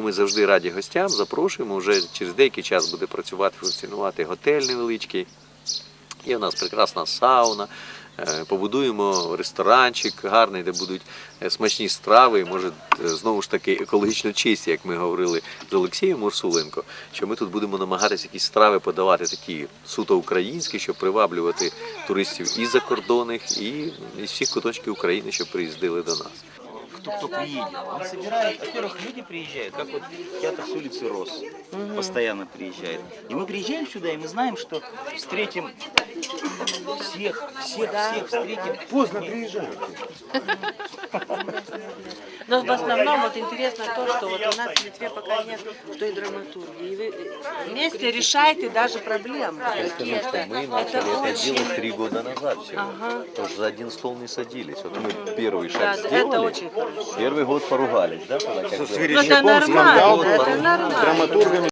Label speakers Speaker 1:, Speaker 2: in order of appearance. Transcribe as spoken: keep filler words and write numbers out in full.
Speaker 1: ми завжди раді гостям, запрошуємо. Вже через деякий час буде працювати, функціонувати готель невеличкий. Є в нас прекрасна сауна. Побудуємо ресторанчик гарний, де будуть смачні страви, і, може, знову ж таки, екологічно чисті, як ми говорили з Олексієм Урсуленко, що ми тут будемо намагатися якісь страви подавати такі суто українські, щоб приваблювати туристів і закордонних, і із всіх куточків України, щоб приїздили до нас.
Speaker 2: Кто, кто приедет, он собирает, во-первых, люди приезжают, как вот театр с улицы Рос, угу. постоянно приезжает. И мы приезжаем сюда, и мы знаем, что встретим всех, всех, да. всех встретим.
Speaker 3: Поздно приезжают.
Speaker 4: Но в основном вот интересно то, что вот у нас в Литве пока нет той драматургии. И вы вместе решаете даже проблемы.
Speaker 1: Потому что мы начали это, это делать три года назад всего. Ага. Потому что за один стол не садились. Вот мы первый шаг
Speaker 4: да,
Speaker 1: сделали.
Speaker 4: Это очень хорошо.
Speaker 1: Первый год поругались, да? Когда,
Speaker 3: Со
Speaker 4: это нормально, это нормально.
Speaker 3: Драматургами.